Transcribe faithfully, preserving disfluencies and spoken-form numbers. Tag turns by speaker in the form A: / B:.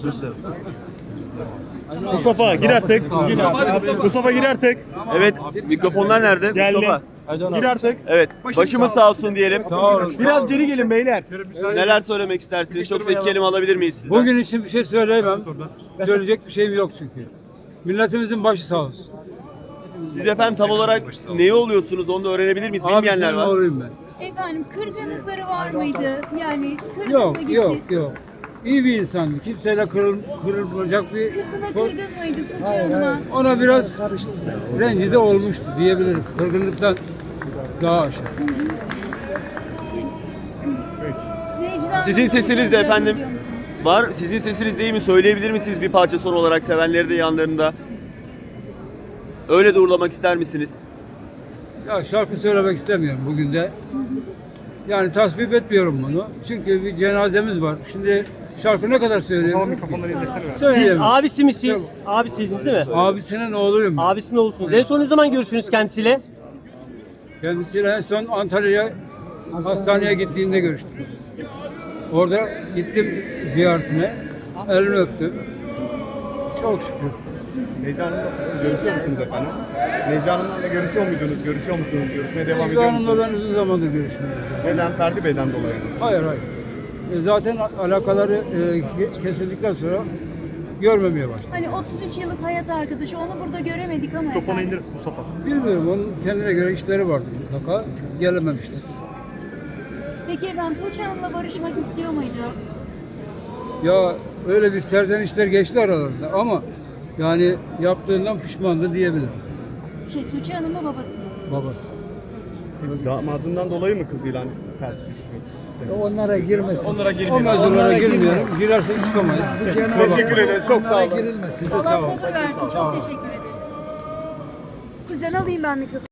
A: Özür dilerim.
B: Mustafa gir artık. Mustafa gir artık.
C: Evet, mikrofonlar nerede?
B: Geldi.
C: Mustafa.
B: Gir artık.
C: Evet, başımız sağ olsun diyelim.
B: Biraz geri gelin beyler.
C: Neler söylemek istersiniz? Çok iki kelime alabilir miyiz sizden?
D: Bugün için bir şey söyleyemem. Söyleyecek bir şeyim yok çünkü. Milletimizin başı sağ olsun.
C: Siz efendim tam olarak neyi oluyorsunuz onu da öğrenebilir miyiz? Bilmeyenler
D: Abisinin
C: var.
D: oğluyum ben.
E: Efendim kırgınlıkları var mıydı? Yani kırgın
D: Yok
E: mı gitti?
D: yok yok. İyi bir insandı. Kimseyle kırıl, kırılacak bir...
E: Kızına kırgın mıydı Tuğçe Hanım'a?
D: Ona biraz rencide olmuştu diyebilirim. Kırgınlıktan daha aşağı.
E: Necla
C: Sizin
E: Hanım'ı
C: sesiniz de
E: tekrar
C: efendim
E: biliyor musunuz?
C: var. Sizin sesiniz değil mi? Söyleyebilir misiniz bir parça son olarak sevenleri de yanlarında? Öyle de uğurlamak ister misiniz?
D: Ya şarkı söylemek istemiyorum bugün de. Yani tasvip etmiyorum bunu. Çünkü bir cenazemiz var. Şimdi şarkı ne kadar söyleyeyim?
B: Mikrofonları indirsene.
F: Siz
D: Söyleyeyim.
F: abisi misiniz? Abisiydiniz değil mi?
D: Abisinin oğluyum.
F: Abisinin oğlusunuz. En son ne zaman görüştünüz kendisiyle?
D: Kendisiyle en son Antalya'ya hastaneye gittiğinde görüştüm. Orada gittim ziyaretine. Elini öptüm. Çok şükür.
G: Necla Hanım'la görüşüyor musunuz efendim? Necla Hanım'la görüşüyor muydunuz? Görüşüyor musunuz? Görüşmeye devam
D: Necla
G: ediyor
D: Hanım'la
G: musunuz?
D: ben uzun zamandır görüşmüyorum.
G: Neden? Ferdi Bey'den dolayı mı?
D: Hayır hayır. E zaten alakaları e, ke- kesildikten sonra görmemeye başladım.
E: Hani otuz üç yıllık hayat arkadaşı onu burada göremedik ama
B: Mikrofonu
E: efendim.
B: indir Mustafa.
D: Bilmiyorum, onun kendine göre işleri vardı mutlaka. Gelememiştir.
E: Peki efendim Tuğçe Hanım'la barışmak istiyor muydu?
D: Ya öyle bir serzenişler geçti aralarında ama yani yaptığından pişmandı diyebilirim
E: Şey Tuğçe Hanım mı babası mı?
D: babası.
G: Damadından dolayı mı kızıyla ters düşmek istedi?
H: Onlara girmesin.
B: Onlara
D: O
B: girmeyelim.
D: mevzulara girmiyorum. Girersek çıkamayız.
G: Teşekkür ederiz. Çok sağ olun.
H: Girilmesin.
E: Allah sabır versin. Çok teşekkür ederiz. Kuzen alayım ben mikrofonu.